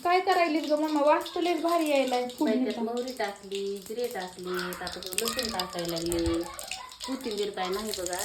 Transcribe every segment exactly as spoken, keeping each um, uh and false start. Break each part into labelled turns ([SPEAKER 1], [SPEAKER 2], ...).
[SPEAKER 1] काय करायलीस ग मम्मा? वास लयच भारी यायलाय.
[SPEAKER 2] त्याच्यात मोहरी टाकली, जिरे टाकली, आता लसूण टाकायला लागले, कोथिंबीर काय नाही बघा.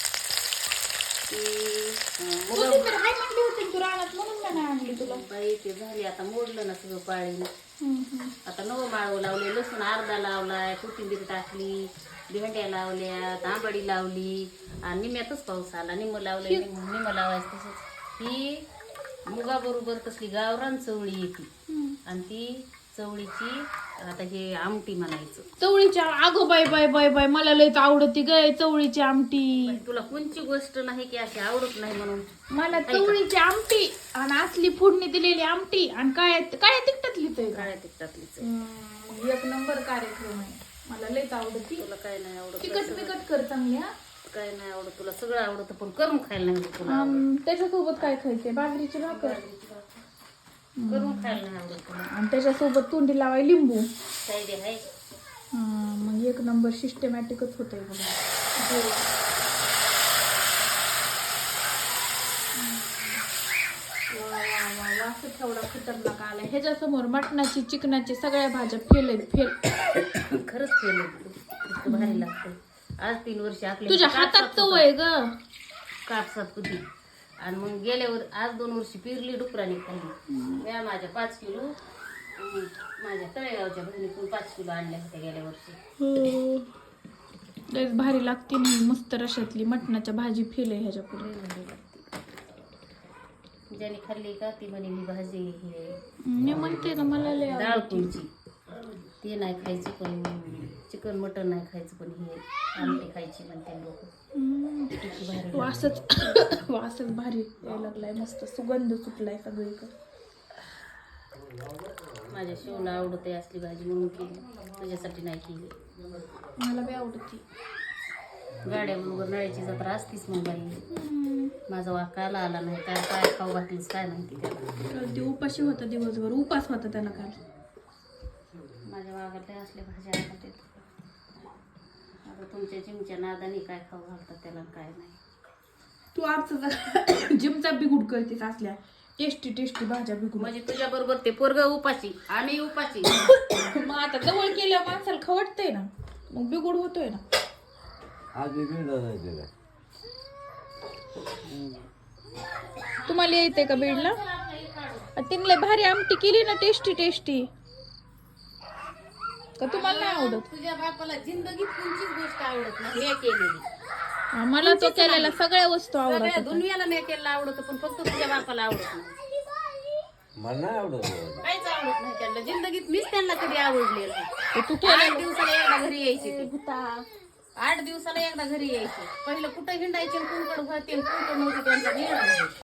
[SPEAKER 1] कोथिंबीर हाय म्हणली होती तू रानात, म्हणून मी नाही आणली तुला.
[SPEAKER 2] बाई ते झाली आता, मोडलं ना सगळं पाळी. आता नवं माळव लावले, लसूण अर्धा लावलाय, कोथिंबीर टाकली, भेंड्या लावल्या, तांबडी लावली आणि निम्यातच पाऊस आला. निम्म लावलंय, निम्म निम्म लावायचं तसंच. ही मुगा बरोबर तसली गावरान चवळी येते आणि ती चवळीची आता हे आमटी म्हणायचं.
[SPEAKER 1] चवळीची अगो बाय बाय बाय बाय मला लयच आवडती ग चवळीची आमटी.
[SPEAKER 2] तुला कोणची गोष्ट नाही की अशी आवडत नाही म्हणून.
[SPEAKER 1] मला चवळीची आमटी आणि असली फोडणी दिलेली आमटी आणि काय काय तिखटातली
[SPEAKER 2] काळ्या तिखटातलीच.
[SPEAKER 1] एक नंबर कार्यक्रम आहे. मला लयच आवडती.
[SPEAKER 2] तुला काय नाही आवडत?
[SPEAKER 1] तिखट बिकट कर चांगली. हा
[SPEAKER 2] काय नाही आवडत तुला? सगळं आवडतं पण करून खायला नाही आवडत तुला.
[SPEAKER 1] त्याच्यासोबत काय खायचंय? बाजरीची भाकर
[SPEAKER 2] करून खायला नाही आवडत तुला.
[SPEAKER 1] आणि त्याच्यासोबत तोंडी लावाय लिंबू.
[SPEAKER 2] काय दे आहे
[SPEAKER 1] मग एक नंबर सिस्टमॅटिकच होतंय बघा. वासच एवढा खतरनाक आलाय. ह्याच्यासमोर मटणाची चिकनाची सगळ्या भाज्या फेल आहेत. फेल
[SPEAKER 2] खरंच केलं. इतकं भारी लागतं. आज तीन वर्ष आपल्या
[SPEAKER 1] तुझ्या हातात चव आहे ग.
[SPEAKER 2] कापसात कुदी आणि मग गेल्यावर आज दोन वर्षी पिरली डुकराने खाल्ली. म्या माझ्या पाच किलो आणि माझ्या तळेगावच्या बहिणीतून पाच किलो आणल्या होत्या गेल्या वर्षी.
[SPEAKER 1] लयच भारी लागते नाही मस्त रशातली मटणाच्या भाजी फेल आहे ह्याच्या पुढे.
[SPEAKER 2] भारी लागते. ज्याने खाल्ली का ती म्हणे ही भाजी हे
[SPEAKER 1] मी म्हणते ना मला लय
[SPEAKER 2] डाळ कोणची ती नाही खायची पण चिकन मटन नाही खायचं पण हे आमटी खायची म्हणते लोक.
[SPEAKER 1] वासच वासच भारी यायला लागलाय. मस्त सुगंध सुटलाय सगळीकडे.
[SPEAKER 2] माझ्या शिवला आवडते असली भाजी म्हणून केली. तुझ्यासाठी नाही केली.
[SPEAKER 1] मला बी आवडती.
[SPEAKER 2] गाड्याबरोबर नळ्याची जत्रा असतीच मग बाई. माझा वाक काला आला नाही काय काय खाऊ घातलीस काय माहिती त्याला.
[SPEAKER 1] ते उपाशी होता दिवसभर. उपास होता त्याला काल.
[SPEAKER 2] माझ्या वागातल्या असल्या भाज्या आवडतात. आता तुमच्या जिमच्या नादाने काय खाऊ घालतात त्याला काय नाही.
[SPEAKER 1] तू आमचा जिमचा बिगुड करतेस असल्या टेस्टी टेस्टी भाज्या बिगुड.
[SPEAKER 2] म्हणजे तुझ्या बरोबर ते पोरग उपाशी आम्ही उपाशी.
[SPEAKER 1] मग आता जवळ केल्यावर माणसाला खवटतंय ना मग बिगुड होतोय ना. तुम्हाला यायचंय का बीडला? तिने भारी आमटी केली ना टेस्टी टेस्टी. का तुम्हाला नाही आवडत?
[SPEAKER 2] तुझ्या बापाला जिंदगीत कोणतीच गोष्ट आवडत नाही मी केलेली.
[SPEAKER 1] मला तो केलेला सगळ्या वस्तू आवडतात.
[SPEAKER 2] दुनियाला मी केलेला आवडत पण फक्त तुझ्या बापाला आवडत नाही.
[SPEAKER 3] मला नाही आवडत.
[SPEAKER 2] काहीच आवडत नाही त्यांना जिंदगीत. मीच त्यांना कधी आवडलेलं नाही.
[SPEAKER 1] तू
[SPEAKER 2] आठ दिवसाला एकदा घरी यायची ते. आठ दिवसाला एकदा घरी यायचे. पहिलं कुठं हिंडायचे कोणकडे होते कोणकडे नव्हते त्यांचा निर्णय.